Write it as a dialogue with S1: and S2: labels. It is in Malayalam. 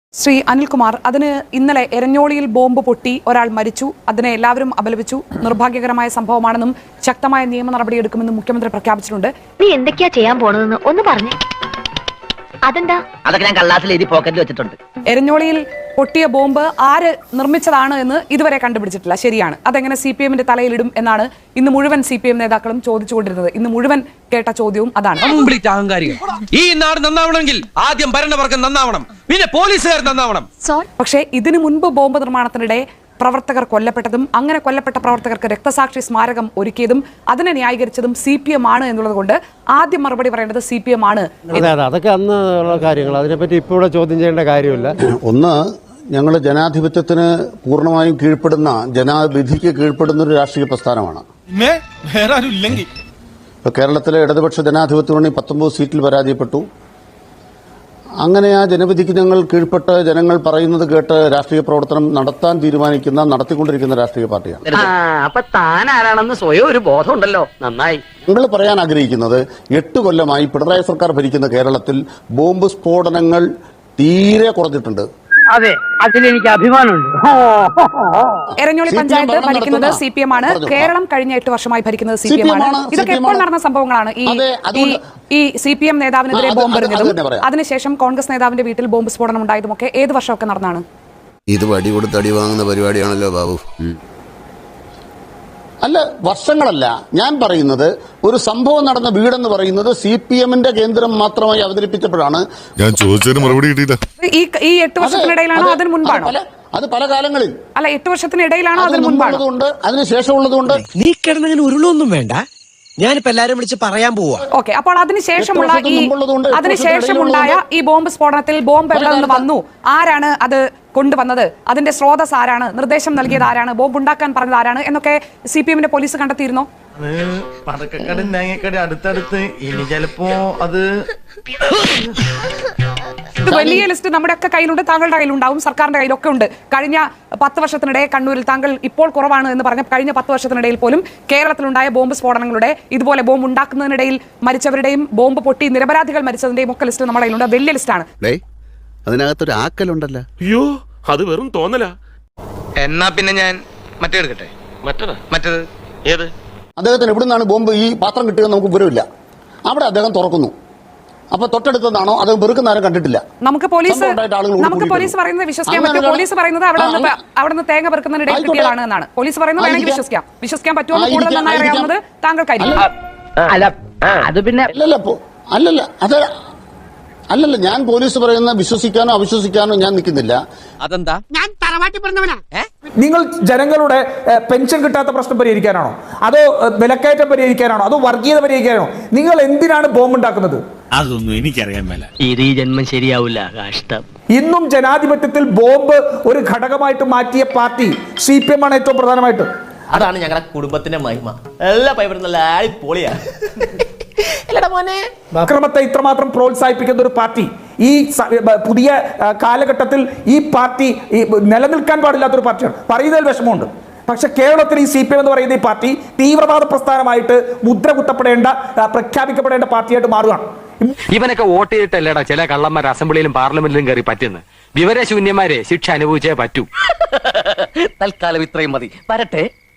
S1: ശ്രീ അനിൽകുമാർ, അതിന് ഇന്നലെ എരഞ്ഞോളിയിൽ ബോംബ് പൊട്ടി ഒരാൾ മരിച്ചു. അതിനെ എല്ലാവരും അപലപിച്ചു. നിർഭാഗ്യകരമായ സംഭവമാണെന്നും ശക്തമായ നിയമ നടപടിയെടുക്കുമെന്നും മുഖ്യമന്ത്രി പ്രഖ്യാപിച്ചിട്ടുണ്ട്.
S2: നീ എന്തൊക്കെയാ ചെയ്യാൻ പോണതെന്ന് ഒന്ന് പറഞ്ഞു. അതെന്താ? അതൊക്കെ ഞാൻ കള്ളാസിൽ എഴുതി പോക്കറ്റിൽ വെച്ചിട്ടുണ്ട്.
S1: എരഞ്ഞോളിയിൽ പൊട്ടിയ ബോംബ് ആര് നിർമ്മിച്ചതാണ് എന്ന് ഇതുവരെ കണ്ടുപിടിച്ചിട്ടില്ല. ശരിയാണ്. അതെങ്ങനെ CPM-ന്റെ തലയിലിടും എന്നാണ് ഇന്ന് മുഴുവൻ CPM നേതാക്കളും ചോദിച്ചുകൊണ്ടിരുന്നത്. ഇന്ന് മുഴുവൻ കേട്ട ചോദ്യവും അതാണ്.
S3: ഈ നാട് നന്നാവണമെങ്കിൽ ആദ്യം ഭരണവർഗം നന്നാവണം, പിന്നെ പോലീസുകാർ നന്നാവണം.
S1: പക്ഷേ ഇതിനു മുൻപ് ബോംബ് നിർമ്മാണത്തിനിടെ പ്രവർത്തകർ കൊല്ലപ്പെട്ടതും അങ്ങനെ കൊല്ലപ്പെട്ട പ്രവർത്തകർക്ക് രക്തസാക്ഷി സ്മാരകം ഒരുക്കിയതും അതിനെ ന്യായീകരിച്ചതും CPM ആണ് എന്നുള്ളത് കൊണ്ട് ആദ്യം മറുപടി പറയേണ്ടത് CPM ആണ്.
S4: അതൊക്കെ അന്ന് ഉള്ള കാര്യങ്ങൾ, അതിനെപ്പറ്റി ഇപ്പോൾ ഇവിടെ ചോദ്യം ചെയ്യേണ്ട കാര്യമില്ല.
S5: ഒന്ന്, ഞങ്ങൾ ജനാധിപത്യത്തിന് പൂർണ്ണമായും കീഴ്പ്പെടുന്ന, ജനാവിധിക്ക് കീഴ്പ്പെടുന്ന ഒരു രാഷ്ട്രീയ പ്രസ്ഥാനമാണ്. ഇപ്പൊ കേരളത്തിലെ ഇടതുപക്ഷ ജനാധിപത്യ മുന്നണി 19 സീറ്റിൽ പരാജയപ്പെട്ടു. അങ്ങനെ ആ ജനവിധിക്ക് ഞങ്ങൾ കീഴ്പ്പെട്ട് ജനങ്ങൾ പറയുന്നത് കേട്ട് രാഷ്ട്രീയ പ്രവർത്തനം നടത്താൻ തീരുമാനിക്കുന്ന, നടത്തിക്കൊണ്ടിരിക്കുന്ന രാഷ്ട്രീയ പാർട്ടിയാണ്.
S2: അപ്പൊ താൻ ആരാണെന്ന് സ്വയം ഒരു ബോധമുണ്ടല്ലോ. നന്നായി.
S5: ഞങ്ങൾ പറയാൻ ആഗ്രഹിക്കുന്നത് 8 കൊല്ലമായി പിണറായി സർക്കാർ ഭരിക്കുന്ന കേരളത്തിൽ ബോംബ് സ്ഫോടനങ്ങൾ തീരെ കുറഞ്ഞിട്ടുണ്ട്.
S6: അതെ, അതിലെനിക്ക് അഭിമാനമുണ്ട്.
S1: എരഞ്ഞോളി പഞ്ചായത്ത് ഭരിക്കുന്നത് CPM ആണ്. കേരളം കഴിഞ്ഞ 8 വർഷമായി ഭരിക്കുന്നത് CPM ആണ്. ഇതൊക്കെ എപ്പോൾ നടന്ന സംഭവങ്ങളാണ്. ഈ CPM നേതാവിനെതിരെ ബോംബ് എറിഞ്ഞതും അതിനുശേഷം കോൺഗ്രസ് നേതാവിന്റെ വീട്ടിൽ ബോംബ് സ്ഫോടനം ഉണ്ടായതുമൊക്കെ ഏത് വർഷമൊക്കെ നടന്നാണ്?
S7: ഇത് വടി കൊടുത്ത് അടി വാങ്ങുന്ന പരിപാടിയാണല്ലോ ബാബു.
S5: അല്ല, വർഷങ്ങളല്ല. ഞാൻ പറയുന്നത് ഒരു സംഭവം നടന്ന വീടെന്ന് പറയുന്നത് CPM-ന്റെ കേന്ദ്രം മാത്രമായി അവതരിപ്പിച്ചപ്പോഴാണ്.
S8: ഞാൻ ചോദിച്ചതിന് മറുപടി കിട്ടിയില്ല.
S1: ഈ 8 വർഷത്തിനിടയിലാണോ അതിന് മുൻപാണോ?
S5: അത് പല കാലങ്ങളിൽ.
S1: അല്ല, 8 വർഷത്തിനിടയിലാണോ അതിന് മുൻപാണോ?
S5: അതിനുശേഷമുള്ളതുകൊണ്ട്
S3: നീ കിടന്നങ്ങനെ ഉരുളൊന്നും വേണ്ട. ഞാനിപ്പോ എല്ലാരും വിളിച്ച് പറയാൻ പോവാ.
S1: ഓക്കെ, അപ്പോൾ അതിനുശേഷമുണ്ടായ ഈ ബോംബ് സ്ഫോടനത്തിൽ ബോംബ് എവിടെ നിന്ന് വന്നു, ആരാണ് അത് കൊണ്ടുവന്നത്, അതിന്റെ സ്രോതസ് ആരാണ്, നിർദ്ദേശം നൽകിയത് ആരാണ്, ബോംബ് ഉണ്ടാക്കാൻ പറഞ്ഞത് ആരാണ് എന്നൊക്കെ CPM-ന്റെ പോലീസ് കണ്ടെത്തിയിരുന്നോ?
S3: അടുത്തടുത്ത് ഇനി ചിലപ്പോ അത്
S1: ഇത് വലിയ ലിസ്റ്റ് നമ്മുടെ ഒക്കെ കയ്യിലുണ്ട്, താങ്കളുടെ കയ്യിലുണ്ടാവും, സർക്കാരിന്റെ കയ്യിലൊക്കെ ഉണ്ട്. കഴിഞ്ഞ 10 വർഷത്തിനിടെ കണ്ണൂരിൽ താങ്കൾ ഇപ്പോൾ കുറവാണ് എന്ന് പറഞ്ഞ കഴിഞ്ഞ 10 വർഷത്തിനിടയിൽ പോലും കേരളത്തിലുണ്ടായ ബോംബ് സ്ഫോടനങ്ങളുടെ, ഇതുപോലെ ബോംബ് ഉണ്ടാക്കുന്നതിനിടയിൽ മരിച്ചവരുടെയും ബോംബ് പൊട്ടി നിരപരാധികൾ മരിച്ചതിന്റെയും ഒക്കെ ലിസ്റ്റ് നമ്മുടെ കയ്യിലുണ്ട്. വലിയ ലിസ്റ്റാണ്.
S7: അതിനകത്തൊരു ആക്കലുണ്ടല്ലോ.
S9: അയ്യോ, അത് വെറും തോന്നല.
S3: എന്നാ പിന്നെ ഞാൻ മറ്റേ എടുക്കട്ടെ. മറ്റേത് ഏത്?
S5: അദ്ദേഹത്തിന് എവിടുന്നാണ് ബോംബ് ഈ പാത്രം കിട്ടുക നമുക്ക് വിവരമില്ല. അവിടെ അദ്ദേഹം തുറക്കുന്നു. അപ്പൊ തൊട്ടടുത്തതാണോ അത് വെറുക്കുന്ന ആരും കണ്ടിട്ടില്ല.
S1: നമുക്ക് പോലീസ് പറയുന്നത് വിശ്വസിക്കാൻ പറ്റും. പോലീസ് പറയുന്നത് അവിടെ നിന്ന് തേങ്ങ പെറുക്കുന്നതിനിടയിൽ കിട്ടിയതാണ് എന്നാണ് പോലീസ് പറയുന്നത്. വേണമെങ്കിൽ വിശ്വസിക്കാൻ പറ്റുമോ കൂടുതൽ നന്നായി അറിയാവുന്നത് താങ്കൾക്കായിരിക്കും.
S5: അല്ലല്ല, ഞാൻ പോലീസ് പറയുന്ന വിശ്വസിക്കാനോ അവിശ്വസിക്കാനോ ഞാൻ നിൽക്കുന്നില്ല.
S3: അതെന്താ?
S6: ഞാൻ തറവാട്ടി പറഞ്ഞവനാ.
S10: നിങ്ങൾ ജനങ്ങളുടെ പെൻഷൻ കിട്ടാത്ത പ്രശ്നം പരിഹരിക്കാനാണോ, അതോ വിലക്കയറ്റം പരിഹരിക്കാനാണോ, അതോ വർഗീയത പരിഹരിക്കാനാണോ? നിങ്ങൾ എന്തിനാണ് ബോംബ് ഉണ്ടാക്കുന്നത്?
S9: അതൊന്നും എനിക്കറിയാൻ മേല.
S2: ഇത് ഈ ജന്മം ശരിയാവില്ല. കഷ്ടം.
S10: ഇന്നും ജനാധിപത്യത്തിൽ ബോംബ് ഒരു ഘടകമായിട്ട് മാറ്റിയ പാർട്ടി CPM ആണ് ഏറ്റവും പ്രധാനമായിട്ട്.
S3: അതാണ് ഞങ്ങളുടെ കുടുംബത്തിന്റെ മഹിമ. എല്ലാ പൈപ്പറും നല്ല പൊളിയാ.
S10: അക്രമത്തെ ഇത്രമാത്രം പ്രോത്സാഹിപ്പിക്കുന്ന ഒരു പാർട്ടി ഈ പുതിയ കാലഘട്ടത്തിൽ ഈ പാർട്ടി നിലനിൽക്കാൻ പാടില്ലാത്തൊരു പാർട്ടിയാണ്. പറയുന്നതിൽ വിഷമമുണ്ട്. പക്ഷെ കേരളത്തിൽ ഈ CPM എന്ന് പറയുന്ന ഈ പാർട്ടി തീവ്രവാദ പ്രസ്ഥാനമായിട്ട് മുദ്ര കുത്തപ്പെടേണ്ട, പ്രഖ്യാപിക്കപ്പെടേണ്ട പാർട്ടിയായിട്ട് മാറുകയാണ്.
S11: ഇവനൊക്കെ വോട്ട് ചെയ്തിട്ടല്ലേടാ ചില കള്ളന്മാർ അസംബ്ലിയിലും പാർലമെന്റിലും കയറി പറ്റുന്നു. വിവരശൂന്യന്മാരെ ശിക്ഷ അനുഭവിച്ചേ പറ്റൂ.
S2: തൽക്കാലം ഇത്രയും മതി. വരട്ടെ.